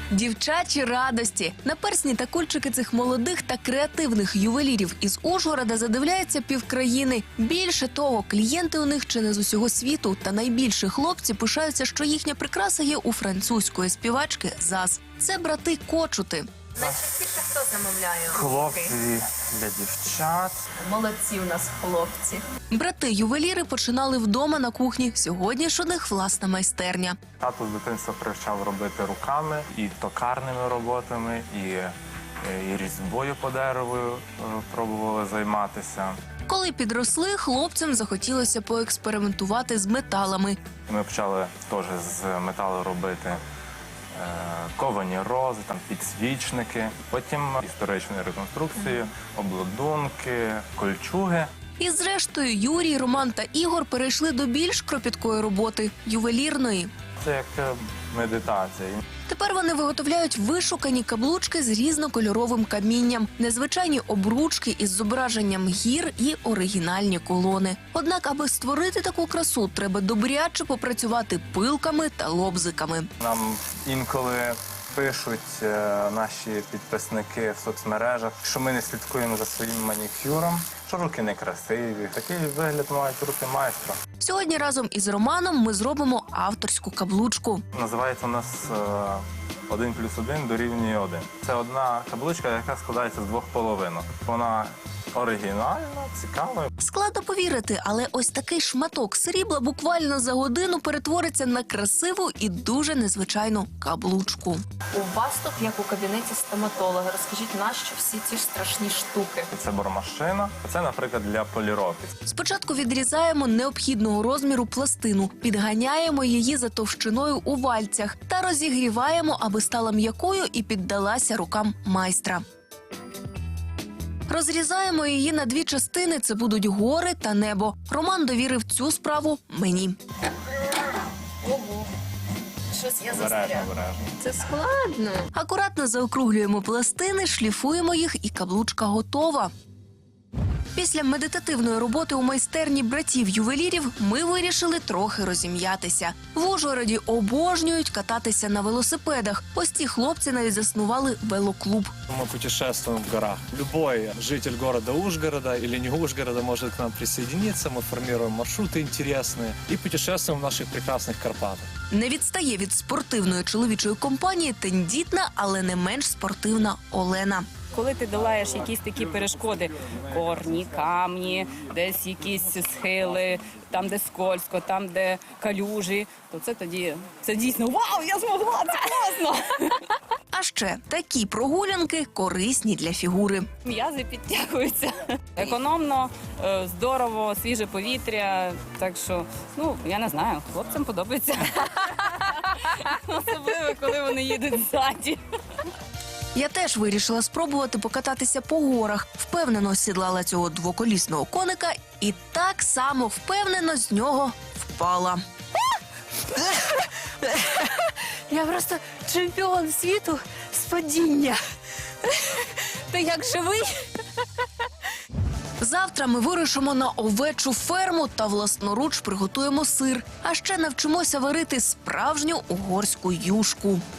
Дівчачі радості. На персні та кульчики цих молодих та креативних ювелірів із Ужгорода задивляється півкраїни. Більше того, клієнти у них чи не з усього світу. Та найбільше хлопці пишаються, що їхня прикраса є у французької співачки ЗАЗ. Це брати Кочути. Найчастіше хто замовляє? Хлопці для дівчат. Молодці у нас хлопці. Брати-ювеліри починали вдома на кухні. Сьогодні ж у них власна майстерня. Тато з дитинства привчав робити руками і токарними роботами, і різьбою по дереву пробували займатися. Коли підросли, хлопцям захотілося поекспериментувати з металами. Ми почали теж з металу робити ковані рози, там підсвічники, потім історичні реконструкції, обладунки, кольчуги. І зрештою Юрій, Роман та Ігор перейшли до більш кропіткої роботи – ювелірної. Це як медитація. Тепер вони виготовляють вишукані каблучки з різнокольоровим камінням, незвичайні обручки із зображенням гір і оригінальні колони. Однак, аби створити таку красу, треба добряче попрацювати пилками та лобзиками. Нам інколи пишуть наші підписники в соцмережах, що ми не слідкуємо за своїм манікюром, що руки некрасиві. Такий вигляд мають руки майстра. Сьогодні разом із Романом ми зробимо авторську каблучку. Називається у нас 1+1 дорівнює 1. Це одна каблучка, яка складається з двох половинок. Вона оригінальна, цікава. Складно повірити, але ось такий шматок срібла буквально за годину перетвориться на красиву і дуже незвичайну каблучку. У вас тут, як у кабінеті стоматолога, розкажіть, нащо всі ці ж страшні штуки? Це бормашина, а це, наприклад, для поліровки. Спочатку відрізаємо необхідного розміру пластину, підганяємо її за товщиною у вальцях та розігріваємо, аби стала м'якою і піддалася рукам майстра. Розрізаємо її на дві частини, це будуть гори та небо. Роман довірив цю справу мені. Ого, щось я Обережно, застряг. обережно. Це складно. Акуратно заокруглюємо пластини, шліфуємо їх і каблучка готова. Після медитативної роботи у майстерні братів-ювелірів ми вирішили трохи розім'ятися. В Ужгороді обожнюють кататися на велосипедах. Ось ці хлопці навіть заснували велоклуб. Мы путешествуем в горах. Любой житель города Ужгорода или не Ужгорода может к нам присоединиться. Мы формируем маршруты интересные и путешествуем в наших прекрасных Карпатах. Не відстає від спортивної чоловічої компанії тендітна, але не менш спортивна Олена. Коли ти долаєш якісь такі перешкоди, корні, камні, десь якісь схили, там, де скользко, там, де калюжі, то це тоді, це дійсно, вау, я змогла, це класно! А ще такі прогулянки корисні для фігури. М'язи підтягуються. Економно, здорово, свіже повітря, так що, ну, я не знаю, хлопцям подобається. Особливо, коли вони їдуть ззаді. Я теж вирішила спробувати покататися по горах. Впевнено сідлала цього двоколісного коника і так само впевнено з нього впала. Я просто чемпіон світу з падіння. Ти як живий? Завтра ми вирушимо на овечу ферму та власноруч приготуємо сир. А ще навчимося варити справжню угорську юшку.